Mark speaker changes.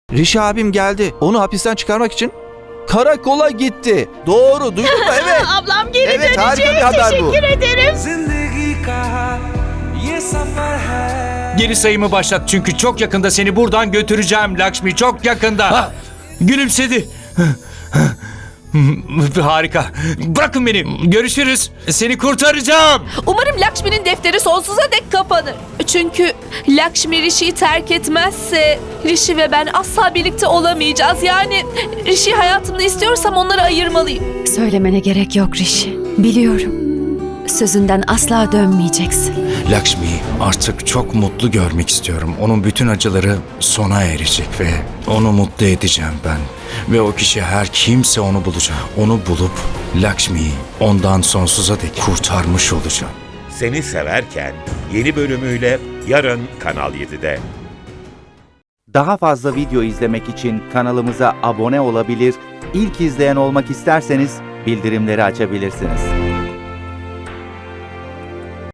Speaker 1: Rishi abim geldi. Onu hapisten çıkarmak için karakola gitti. Doğru, duydun mu? Evet.
Speaker 2: Ablam geri
Speaker 1: Evet, harika
Speaker 2: dönecek.
Speaker 1: bir haber bu.
Speaker 2: Teşekkür ederim.
Speaker 3: Geri sayımı başlat çünkü çok yakında seni buradan götüreceğim Lakshmi, çok yakında. Gülümsedi. Harika. Bırakın beni. Görüşürüz. Seni kurtaracağım.
Speaker 2: Umarım Lakshmi'nin defteri sonsuza dek kapanır. Çünkü Lakshmi Rishi'yi terk etmezse Rishi ve ben asla birlikte olamayacağız. Yani Rishi hayatımda istiyorsam onları ayırmalıyım.
Speaker 4: Söylemene gerek yok Rishi. Biliyorum. Sözünden asla dönmeyeceksin.
Speaker 3: Lakshmi'yi artık çok mutlu görmek istiyorum. Onun bütün acıları sona erecek ve onu mutlu edeceğim ben. Ve o kişi her kimse onu bulacak. Onu bulup Lakshmi'yi ondan sonsuza dek kurtarmış olacağım.
Speaker 5: Seni Severken yeni bölümüyle yarın Kanal 7'de.
Speaker 6: Daha fazla video izlemek için kanalımıza abone olabilir, ilk izleyen olmak isterseniz bildirimleri açabilirsiniz.